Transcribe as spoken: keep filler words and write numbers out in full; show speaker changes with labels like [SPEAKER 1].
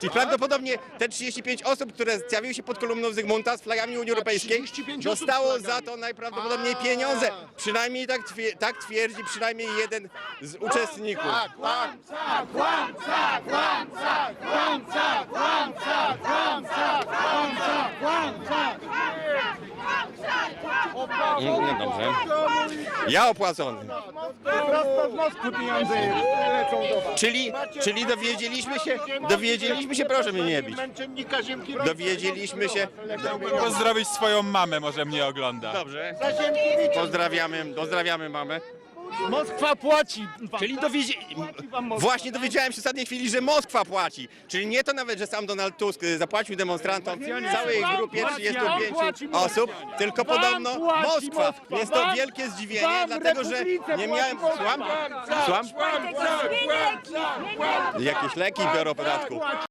[SPEAKER 1] Czyli prawdopodobnie te trzydzieści pięć osób, które zjawiły się pod kolumną Zygmunta z flagami Unii Europejskiej,
[SPEAKER 2] trzydzieści pięć osób z
[SPEAKER 1] dostało
[SPEAKER 2] flagami.
[SPEAKER 1] za to najprawdopodobniej
[SPEAKER 2] A.
[SPEAKER 1] pieniądze. Przynajmniej tak, twier tak twierdzi przynajmniej jeden z uczestników.
[SPEAKER 2] Tak, tak. Kłamca, kłamca, kłamca, kłamca, kłamca, kłamca, kłamca,
[SPEAKER 1] No, no dobrze. Ja opłacony.
[SPEAKER 2] Prosto z Moskwy pieniądze lecą do was.
[SPEAKER 1] Czyli, czyli dowiedzieliśmy się, dowiedzieliśmy się, proszę mnie nie bić.
[SPEAKER 2] Męczennika Ziemki
[SPEAKER 1] Dowiedzieliśmy się.
[SPEAKER 3] Pozdrowić swoją mamę, może mnie ogląda.
[SPEAKER 1] Dobrze.
[SPEAKER 2] Zaziemkiewicza.
[SPEAKER 1] Pozdrawiamy, pozdrawiamy mamę.
[SPEAKER 2] Moskwa płaci.
[SPEAKER 1] Czyli dowiedzi... Właśnie dowiedziałem się w ostatniej chwili, że Moskwa płaci. Czyli nie to nawet, że sam Donald Tusk zapłacił demonstrantom całej grupie trzydziestu pięciu osób, tylko podobno Moskwa. Jest to wielkie zdziwienie, dlatego że nie miałem... Słucham? Słucham? Jakieś leki biorą podatku.